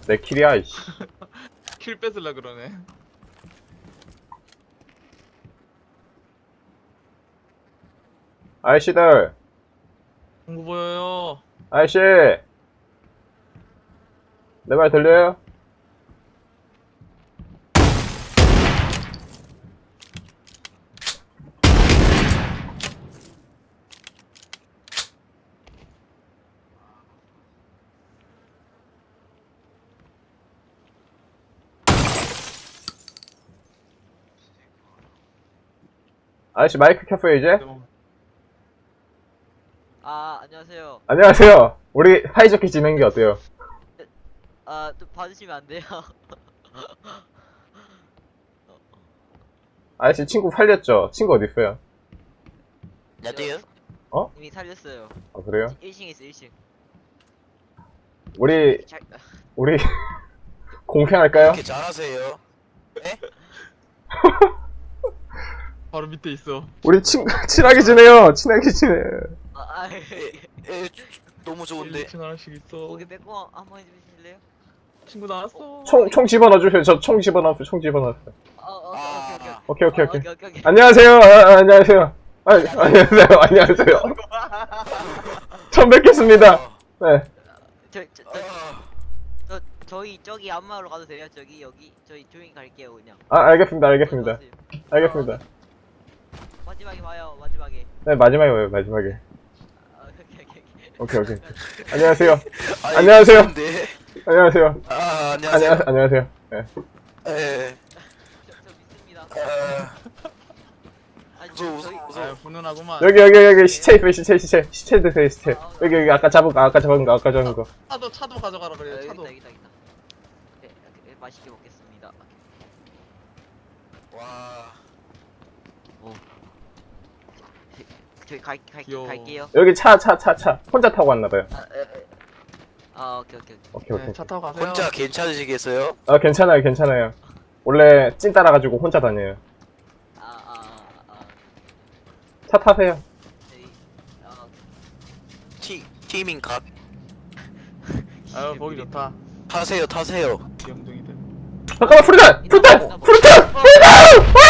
내 킬이야, 이씨. 킬 뺏으려 그러네. 아이씨들, 공구 보여요. 아이씨. 내 말 들려요? 아저씨 마이크 켰어요 이제? 아, 안녕하세요. 안녕하세요. 우리 사이좋게 지낸 게 어때요? 아, 좀 봐주시면 안 돼요? 아저씨 친구 살렸죠? 친구 어딨어요? 나도요? 이미 살렸어요. 아 그래요? 1층 있어, 1층. 우리 잘, 공평할까요? 이렇게 잘하세요? 네? 바로 밑에 있어. 우리 친하게 지내요. 친하게 지내. 너무 좋은데. 1층 하나씩 있어. 거기 빼고 한번 해주실래요? 친구 나왔어. 총 집어넣어주세요. 저 총 집어넣었어요. 총 집어넣었어요. 오케이, 오케이 오케이. 오케이. 안녕하세요. 안녕하세요. 안녕하세요. 안녕하세요. 처음 뵙겠습니다. 네. 저희 저기 안마로 가도 돼요? 저기 여기 저희 조용히 갈게요 그냥. 아 알겠습니다. 알겠습니다. 알겠습니다. 마지막에 봐요. 마지막에. 네 마지막에 와요. 마지막에. 오케이. 오케이. 안녕하세요. 아니, 안녕하세요. 좋은데. 안녕하세요. 안녕하세요. 안녕하세요. 네. 예. 저 믿습니다. 아니 무서워. 아, 훈훈하구만. 여기 시체 있어요. 시체 드세요. 시체. 여기 아까 잡은 거. 차도 가져가라 그래요. 여기 차도. 있다. 네, 맛있게 먹겠습니다. 와. 저기 귀여워. 갈게요. 여기 차. 혼자 타고 왔나봐요. 오케이. 오케이. 네, 차 타고 가세요. 혼자 괜찮으시겠어요? 아, 괜찮아요. 원래 찐 따라가지고 혼자 다녀요. 차 타세요. 저희 티밍 각. 아유, 보기 좋다. 타세요. 영둥이들. 잠깐만, 프리탄!